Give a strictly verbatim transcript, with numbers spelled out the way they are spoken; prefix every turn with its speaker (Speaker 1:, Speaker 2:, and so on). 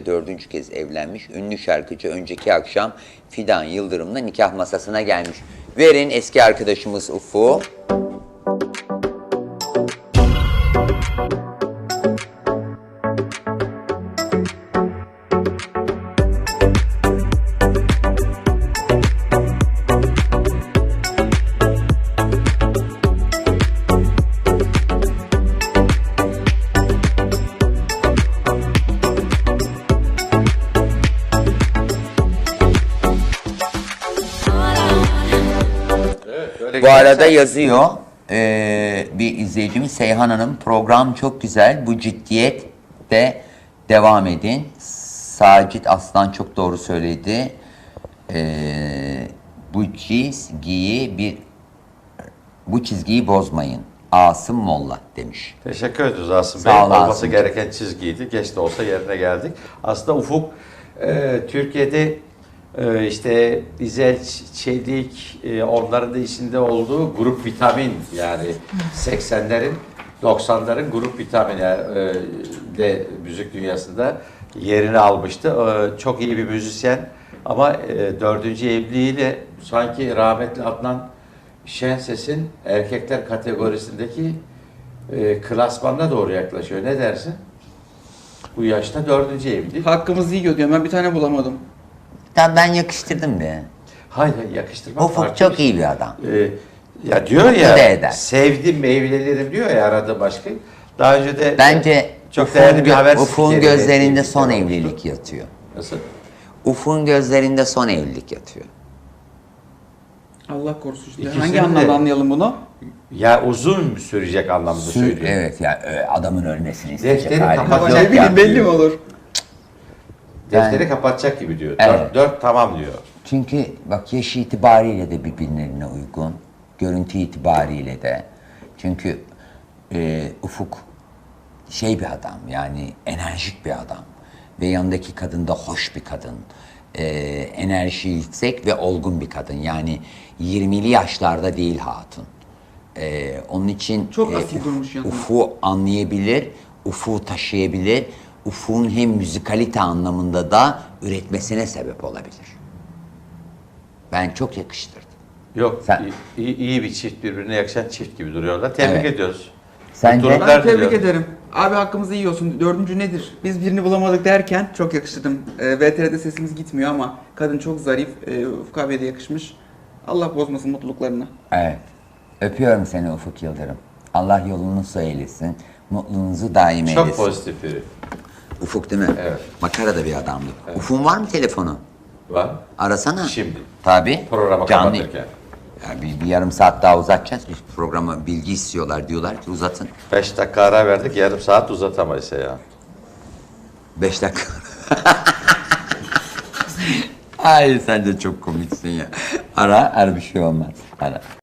Speaker 1: dördüncü kez evlenmiş. Ünlü şarkıcı önceki akşam Fidan Yıldırım'la nikah masasına gelmiş. Verin eski arkadaşımız Ufuk. Bu arada yazıyor ee, bir izleyicimiz Seyhan Hanım, program çok güzel, bu ciddiyette devam edin. Sacit Aslan çok doğru söyledi. Ee, bu çizgiyi bir bu çizgiyi bozmayın. Asım Molla demiş.
Speaker 2: Teşekkür ediyoruz Asım Bey.
Speaker 1: Sağ ol,
Speaker 2: Olması
Speaker 1: Asım.
Speaker 2: gereken çizgiydi. Geç de olsa yerine geldik. Aslında Ufuk e, Türkiye'de e, işte İzel, Çelik, e, onların da içinde olduğu grup vitamin, yani seksenlerin doksanların grup vitamini e, de müzik dünyasında yerini almıştı. E, çok iyi bir müzisyen ama e, dördüncü evliliğiyle sanki rahmetli Adnan Şenses'in erkekler kategorisindeki e, klasmanına doğru yaklaşıyor. Ne dersin? Bu yaşta dördüncü evlilik.
Speaker 3: Hakkımızı yiyor diyorum. Ben bir tane bulamadım.
Speaker 1: Tamam, ben yakıştırdım be.
Speaker 2: Hayır, hayır, yakıştırma.
Speaker 1: Ufuk
Speaker 2: farklı
Speaker 1: çok
Speaker 2: bir şey.
Speaker 1: iyi bir adam.
Speaker 2: Ee, ya diyor
Speaker 1: Mutlu da eder.
Speaker 2: ya, sevdim evlenirim diyor ya aradığı başka. Daha önce de
Speaker 1: Bence
Speaker 2: çok değerli bir haber
Speaker 1: Ufuk'un
Speaker 2: spikeri
Speaker 1: gözlerinde
Speaker 2: evlilikler
Speaker 1: son
Speaker 2: olmuştu.
Speaker 1: evlilik yatıyor.
Speaker 2: Nasıl?
Speaker 1: Ufuk'un gözlerinde son evlilik yatıyor.
Speaker 3: Allah korusun işte.
Speaker 2: İkisini
Speaker 3: Hangi
Speaker 2: de-
Speaker 3: anlamda anlayalım bunu?
Speaker 2: Ya uzun sürecek anlamda
Speaker 1: Sü-
Speaker 2: söylüyor.
Speaker 1: Evet ya, e, adamın ölmesini isteyecek
Speaker 2: Defteri
Speaker 1: halimiz
Speaker 2: kapatacak
Speaker 1: yok
Speaker 3: Ne bileyim
Speaker 1: yani.
Speaker 3: belli mi olur?
Speaker 2: Defteri
Speaker 1: Yani-
Speaker 2: kapatacak gibi diyor.
Speaker 1: Evet.
Speaker 2: Dört, dört tamam diyor.
Speaker 1: Çünkü bak, yaş itibariyle de birbirlerine uygun. Görüntü itibariyle de. Çünkü e, Ufuk şey bir adam, yani enerjik bir adam. Ve yanındaki kadın da hoş bir kadın. E, enerji yüksek ve olgun bir kadın. Yani yirmili yaşlarda değil hatun. E, onun için
Speaker 3: Çok asil durmuş yanında.
Speaker 1: Ufuk'u anlayabilir, Ufuk'u taşıyabilir. Ufuk'un hem müzikalite anlamında da üretmesine sebep olabilir. Ben çok yakıştırdım.
Speaker 2: Yok,
Speaker 1: Sen-
Speaker 2: iyi, iyi bir çift, birbirine yakışan çift gibi duruyorlar. Tebrik
Speaker 1: Evet.
Speaker 2: ediyoruz.
Speaker 1: Sence?
Speaker 2: Mutluluklar
Speaker 3: Ben tebrik
Speaker 2: diliyorum.
Speaker 3: ederim. Abi hakkımızı yiyorsun. Dördüncü nedir? Biz birini bulamadık derken çok yakıştırdım. E, V T R'de sesimiz gitmiyor ama kadın çok zarif. E, Ufuk abiye de yakışmış. Allah bozmasın mutluluklarını.
Speaker 1: Evet. Öpüyorum seni Ufuk Yıldırım. Allah yolunu eylesin. Mutluluğunuzu daim eylesin.
Speaker 2: Çok pozitif biri.
Speaker 1: Ufuk değil mi?
Speaker 2: Evet.
Speaker 1: Makara da bir adamdı. Ufuk'un var mı telefonu?
Speaker 2: Var.
Speaker 1: Arasana.
Speaker 2: Şimdi.
Speaker 1: Tabii.
Speaker 2: Programı
Speaker 1: Canlı.
Speaker 2: kapatırken.
Speaker 1: Ya bir, bir yarım saat daha uzatacağız. Biz programa bilgi istiyorlar, diyorlar ki uzatın.
Speaker 2: Beş dakika ara verdik, yarım saat uzatamayız ya.
Speaker 1: Beş dakika. Ay sen de çok komiksin ya. Ara, ara bir şey olmaz. Ara.